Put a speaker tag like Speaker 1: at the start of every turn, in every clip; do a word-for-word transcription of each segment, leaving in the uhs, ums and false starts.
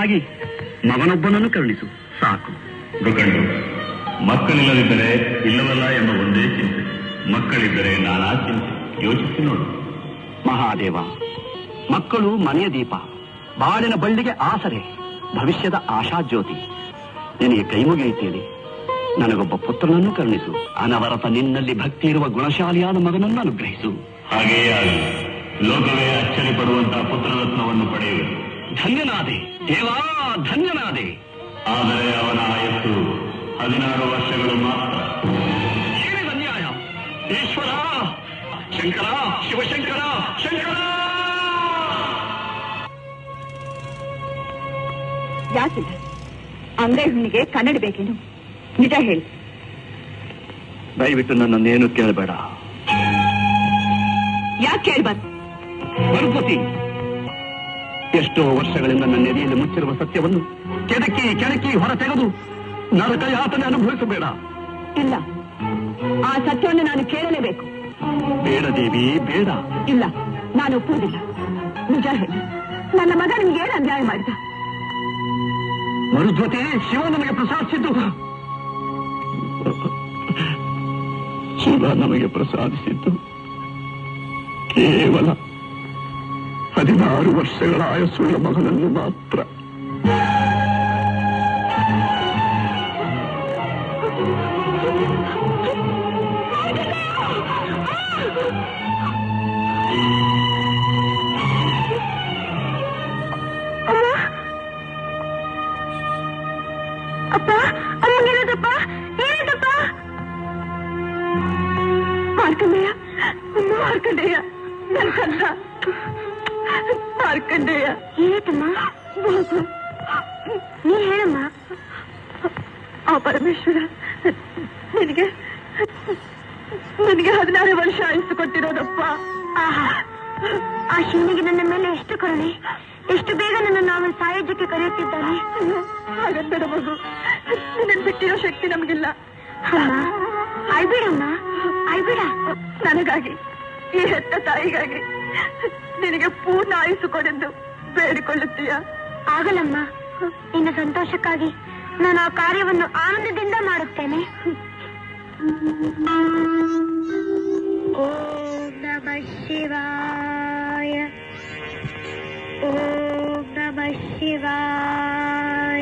Speaker 1: ಮಗನಿಗಾಗಿ ಮಗನೊಬ್ಬನನ್ನು ಕರುಣಿಸು ಸಾಕು.
Speaker 2: ಮೃಗಂಡು, ಮಕ್ಕಳಿಲ್ಲದಿದ್ದರೆ ಇಲ್ಲವಲ್ಲ ಎಂಬ ಒಂದೇ ಚಿಂತೆ, ಮಕ್ಕಳಿದ್ದರೆ ನಾನಾ ಚಿಂತೆ. ಯೋಚಿಸಿ ನೋಡು.
Speaker 1: ಮಹಾದೇವ, ಮಕ್ಕಳು ಮನೆಯ ದೀಪ, ಬಾಳಿನ ಬಳ್ಳಿಗೆ ಆಸರೆ, ಭವಿಷ್ಯದ ಆಶಾಜ್ಯೋತಿ. ನಿನಗೆ ಕೈ ಮುಗಿಯುತ್ತೇನೆ. ನನಗೊಬ್ಬ ಪುತ್ರನನ್ನು ಕರುಣಿಸು. ಅನವರತ ನಿನ್ನಲ್ಲಿ ಭಕ್ತಿ ಇರುವ ಗುಣಶಾಲಿಯಾದ ಮಗನನ್ನು ಅನುಗ್ರಹಿಸು.
Speaker 2: ಹಾಗೆಯೇ ಆಗಲಿ. ಲೋಕವೇ ಅಚ್ಚರಿ ಪಡುವಂತಹ ಪುತ್ರರತ್ನವನ್ನು ಪಡೆಯುವೆ.
Speaker 1: ಧನ್ಯನಾದೆ ದೇವಾ, ಧನ್ಯನಾದೆ.
Speaker 2: ಆದರೆ ಅವನ ಆಯಸ್ಸು ಹದಿನಾರು ವರ್ಷಗಳು ಮಾತ್ರ.
Speaker 1: ಏನಿದ ಅನ್ಯಾಯ! ಈಶ್ವರ, ಶಂಕರ, ಶಿವಶಂಕರ, ಶಂಕರ!
Speaker 3: ಯಾಕಿಲ್ಲ? ಅಂಗೈ ಹುಣ್ಣಿಗೆ ಕನ್ನಡಿ ಬೇಕೇನು? ನಿಜ ಹೇಳಿ.
Speaker 1: ದಯವಿಟ್ಟು ನನ್ನನ್ನೇನು ಕೇಳಬೇಡ.
Speaker 3: ಯಾಕೆ ಕೇಳ್ಬಾರ್ದು?
Speaker 1: ಭರಪತಿ, ಎಷ್ಟೋ ವರ್ಷಗಳಿಂದ ನನ್ನ ನೆರೆಯಲ್ಲಿ ಮುಚ್ಚಿರುವ ಸತ್ಯವನ್ನು ಕೆಣಕಿ ಕೆಣಕಿ ಹೊರ ತೆಗೆದು ನರಕ ಯಾತನೆ ಅನುಭವಿಸಬೇಡ.
Speaker 3: ಇಲ್ಲ, ಆ ಸತ್ಯವನ್ನು ನಾನು ಕೇಳಲೇಬೇಕು.
Speaker 1: ಬೇಡ ದೇವಿ, ಬೇಡ.
Speaker 3: ಇಲ್ಲ, ನಾನು ಒಪ್ಪುವುದಿಲ್ಲ. ನಿಜ ಹೇಳಿ, ನನ್ನ ಮಗ ನಿಮ್ಗೆ ಏನು ಅನ್ಯಾಯ ಮಾಡಿದ?
Speaker 1: ಮರುದ್ವತಿ, ಶಿವ ನಮಗೆ ಪ್ರಸಾದಿಸಿದ್ದು ಶಿವ ನಮಗೆ ಪ್ರಸಾದಿಸಿದ್ದು ಕೇವಲ ಹದಿನಾರು ವರ್ಷಗಳ ಆಯಸ್ಸುಳ್ಳ ಮಗನನ್ನು ಮಾತ್ರ.
Speaker 3: ಅಪ್ಪ, ಅಮ್ಮಗೇನದಪ್ಪ? ಏನದಪ್ಪ? ಮಾರ್ಕಂಡೇಯ, ಮಾರ್ಕಂಡೇಯ, ನನ್ನ ಕಂದ ಮಾರ್ಕಂಡೇಯ. ಏನಮ್ಮ? ನೀ ಹೇಳಮ್ಮ. ಆ ಪರಮೇಶ್ವರ ನಿನಗೆ ನನಗೆ ಹದಿನಾರು ವರ್ಷ ಆಯಸ್ಸು ಕೊಟ್ಟಿರೋದಪ್ಪ. ಆ ಶಿವನಿಗೆ ನನ್ನ ಮೇಲೆ ಎಷ್ಟು ಕರುಣೆ! ಎಷ್ಟು ಬೇಗ ನನ್ನನ್ನು ಅವನ ಸಾಯುಜ್ಯಕ್ಕೆ ಕರೆಯುತ್ತಿದ್ದಾನೆ. ಹಾಗಂತ ಮಗು, ನಿನ್ನ ಬಿಟ್ಟಿರೋ ಶಕ್ತಿ ನಮಗಿಲ್ಲ. ಅಳ್ಬೇಡಮ್ಮ, ಅಳ್ಬೇಡ. ನನಗಾಗಿ, ಈ ಹೆತ್ತ ತಾಯಿಗಾಗಿ ನಿನಗೆ ಪೂರ್ಣ ಆಯುಸ್ಸು ಕೊಡೆಂದು ಬೇಡಿಕೊಳ್ಳುತ್ತೀಯ? ಆಗಲ್ಲಮ್ಮ. ನಿನ್ನ ಸಂತೋಷಕ್ಕಾಗಿ ನಾನು ಆ ಕಾರ್ಯವನ್ನು ಆನಂದದಿಂದ ಮಾಡುತ್ತೇನೆ. ಓಂ ನಮಃ ಶಿವಾಯ, ಓಂ ನಮಃ ಶಿವಾಯ,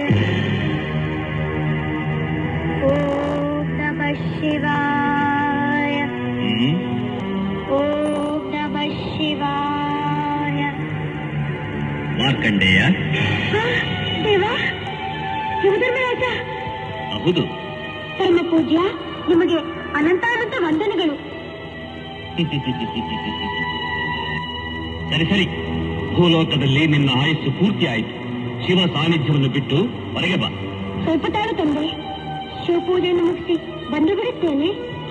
Speaker 3: ಓಂ ನಮಃ ಶಿವಾಯ, ಓಂ ನಮಃ ಶಿವಾಯ.
Speaker 2: ಮಾರ್ಕಂಡೇಯ,
Speaker 3: ದೇವ, ಶಿವಧರ್ಮರಾಜ.
Speaker 2: ಹೌದು.
Speaker 3: ಧರ್ಮ ಪೂಜ್ಯ, ನಿಮಗೆ ಅನಂತಾನಂತ ವಂದನೆಗಳು.
Speaker 2: ಸರಿ ಸರಿ, ಭೂಲೋಕದಲ್ಲಿ ನಿನ್ನ ಆಯಸ್ಸು ಪೂರ್ತಿ ಆಯಿತು. ಶಿವ ಸಾನ್ನಿಧ್ಯವನ್ನು ಬಿಟ್ಟು ಹೊರಗೆ ಬಾ.
Speaker 3: ಸ್ವಲ್ಪ ತಾಳು ತಂದೆ, ಶಿವಪೂಜೆಯನ್ನು ಮುಗಿಸಿ ಬಂದು ಬಿಡುತ್ತೇನೆ.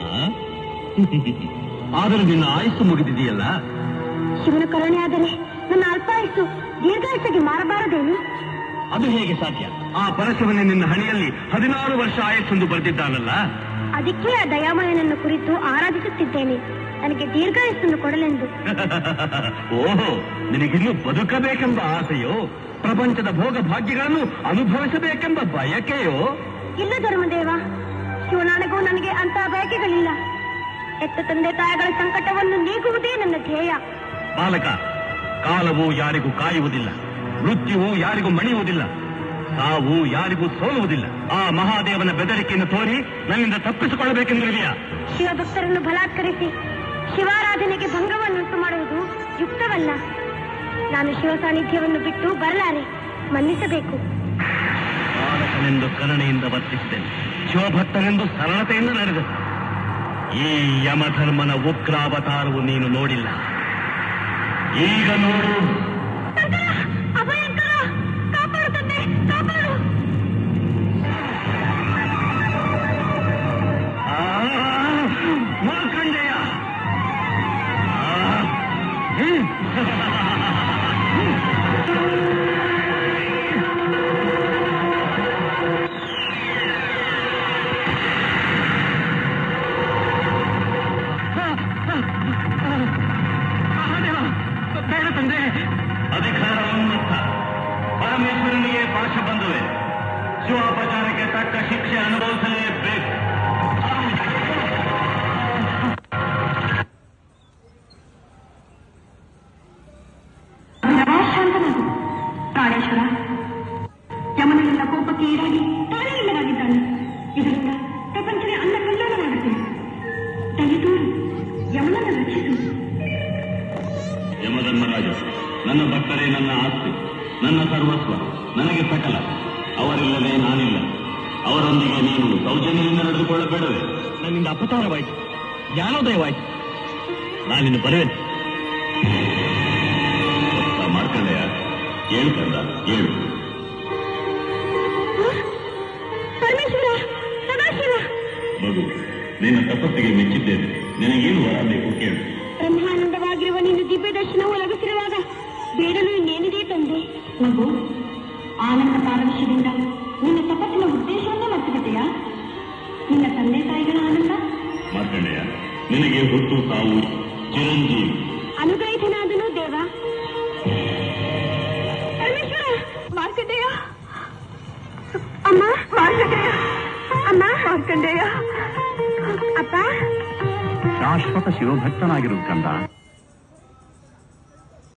Speaker 1: ಆದರೂ ನಿನ್ನ ಆಯಸ್ಸು ಮುಗಿದಿದೆಯಲ್ಲ.
Speaker 3: ಶಿವನ ಕರುಣೆ ಆದರೆ ನನ್ನ ಅಲ್ಪಾಯಸ್ಸು ದೀರ್ಘಾಯಸ್ಸಿಗೆ ಮಾರಬಾರದೇನು?
Speaker 1: ಅದು ಹೇಗೆ ಸಾಧ್ಯ? ಆ ಪರಶಿವನೇ ನಿನ್ನ ಹಣೆಯಲ್ಲಿ ಹದಿನಾರು ವರ್ಷ ಆಯಸ್ಸೆಂದು ಬರೆದಿದ್ದಾನಲ್ಲ.
Speaker 3: ಅದಕ್ಕೆ ಆ ದಯಾಮಯನನ್ನು ಕುರಿತು ಆರಾಧಿಸುತ್ತಿದ್ದೇನೆ, ನನಗೆ ದೀರ್ಘಾಯಸ್ಸನ್ನು ಕೊಡಲೆಂದು.
Speaker 1: ಓಹೋ, ನಿನಗಿನ್ನೂ ಬದುಕಬೇಕೆಂಬ ಆಸೆಯೋ? ಪ್ರಪಂಚದ ಭೋಗ ಭಾಗ್ಯಗಳನ್ನು ಅನುಭವಿಸಬೇಕೆಂಬ ಬಯಕೆಯೋ?
Speaker 3: ಇಲ್ಲ ಧರ್ಮದೇವ, ಶಿವನಾಣೆಗೂ ನನಗೆ ಅಂತಹ ಬಯಕೆಗಳಿಲ್ಲ. ಎತ್ತ ತಂದೆ ತಾಯಿಗಳ ಸಂಕಟವನ್ನು ನೀಗುವುದೇ ನನ್ನ ಧ್ಯೇಯ.
Speaker 1: ಬಾಲಕ, ಕಾಲವು ಯಾರಿಗೂ ಕಾಯುವುದಿಲ್ಲ, ಮೃತ್ಯುವು ಯಾರಿಗೂ ಮಣಿಯುವುದಿಲ್ಲ, ಸಾವು ಯಾರಿಗೂ ಸೋಲುವುದಿಲ್ಲ. ಆ ಮಹಾದೇವನ ಬೆದರಿಕೆಯನ್ನು ತೋರಿ ನನ್ನಿಂದ ತಪ್ಪಿಸಿಕೊಳ್ಳಬೇಕೆಂದಿರುವೆಯಾ?
Speaker 3: ಶಿವಭಕ್ತರನ್ನು ಬಲಾತ್ಕರಿಸಿ ಶಿವಾರಾಧನೆಗೆ ಭಂಗವನ್ನುಂಟು ಮಾಡುವುದು ಯುಕ್ತವಲ್ಲ. ನಾನು ಶಿವ ಸಾನ್ನಿಧ್ಯವನ್ನು ಬಿಟ್ಟು ಬರಲಾರೆ, ಮನ್ನಿಸಬೇಕು.
Speaker 1: ಬಾಲಕನೆಂದು ಕರುಣೆಯಿಂದ ವರ್ತಿಸಿದೆನು, ಶಿವಭಕ್ತನೆಂದು ಸರಳತೆಯಿಂದ ನಡೆದನು. ಈ ಯಮಧರ್ಮನ ಉಗ್ರಾವತಾರವು ನೀನು ನೋಡಿಲ್ಲ, ಈಗ ನೋಡು.
Speaker 3: ಅಭಯಂಕರ, ಕಾಪಾಡು ತಂದೆ, ಕಾಪಾಡು.
Speaker 1: ಮಾರ್ಕಂಡೇಯ, ಬೇಡ ತಂದೆ. ಅಧಿಕಾರವನ್ನು
Speaker 2: ಶತಾಕ್ಷ ಬಂದುವೆ. ಶಿವಾಪಚಾರಕ್ಕೆ ತಕ್ಕ ಶಿಕ್ಷೆ ಅನುಭವಿಸಲೇಬೇಕು.
Speaker 3: ಶಾಂತನಾಗು ಪ್ರಾಣೇಶ್ವರ. ಯಮನನಿಂದ ಕೋಪಕ್ಕೆ ಈಡಾಗಿ ತಾನೇ ಇಲ್ಲವಾಗಿದ್ದಾನೆ. ಇದರಿಂದ ಪ್ರಪಂಚವೇ ಅನ್ನ ಕಲ್ಯಾಣವಾಗುತ್ತದೆ. ದಯತೋರು ಯಮನನ್ನು ರಕ್ಷಿಸು.
Speaker 2: ಯಮಧರ್ಮರಾಜ, ನನ್ನ ಭಕ್ತರೇ ನನ್ನ ಆಸ್ತಿ, ನನ್ನ ಸರ್ವಸ್ವ, ನನಗೆ ಸಕಲ. ಅವರಿಲ್ಲದೆ ನಾನಿಲ್ಲ. ಅವರೊಂದಿಗೆ ನೀನು ಸೌಜನ್ಯದಿಂದ ನಡೆದುಕೊಳ್ಳಬೇಡವೇ?
Speaker 1: ನನ್ನಿಂದ ಅಪಚಾರವಾಯಿತು, ಜ್ಞಾನೋದಯವಾಯಿತು.
Speaker 2: ನಾನಿನ್ನು ಬರುವೆ. ಮಾರ್ಕಂಡೆಯ, ಏಳು ಕಂದ, ಏಳು.
Speaker 3: ಪರಮೇಶ್ವರ, ಸದಾಶಿವ.
Speaker 2: ಮಗು, ನಿನ್ನ ತಪಸ್ಸಿಗೆ ಮೆಚ್ಚಿದ್ದೇನೆ. ನಿನಗೇನು ವರ ಬೇಕು ಕೇಳು.
Speaker 3: ಬ್ರಹ್ಮಾನಂದವಾಗಿರುವ ನಿನ್ನ ದಿವ್ಯ ದರ್ಶನವು ಲಭಿಸಿರುವಾಗ ಬೇಡಲು ಇನ್ನೇನಿದೆ ತಂದೆ? ಮಗು, ಆನಂದ ಪಾರವಶ್ಯದಿಂದ ನಿನ್ನ ತಪಸ್ಸಿನ ಉದ್ದೇಶವನ್ನೇ ಮರೆತುಬಿಟ್ಟೆಯಾ? ನಿನ್ನ ತಂದೆ ತಾಯಿಗಳ ಆನಂದ?
Speaker 2: ಮಾರ್ಕಂಡೆಯ, ನಿನಗೆ ಹುಟ್ಟು ಸಾವು ಚಿರಂಜೀವಿ.
Speaker 3: ಅನುಗ್ರಹಿತನಾದನು ದೇವ. ಪರಮೇಶ್ವರ, ಮಾರ್ಕಂಡೇಯ, ಅಮ್ಮ, ಮಾರ್ಕಂಡೇಯ, ಅಮ್ಮ, ಮಾರ್ಕಂಡೇಯ, ಅಪ್ಪ.
Speaker 1: ಶಾಶ್ವತ ಶಿವಭಕ್ತನಾಗಿರು ಕಂದ.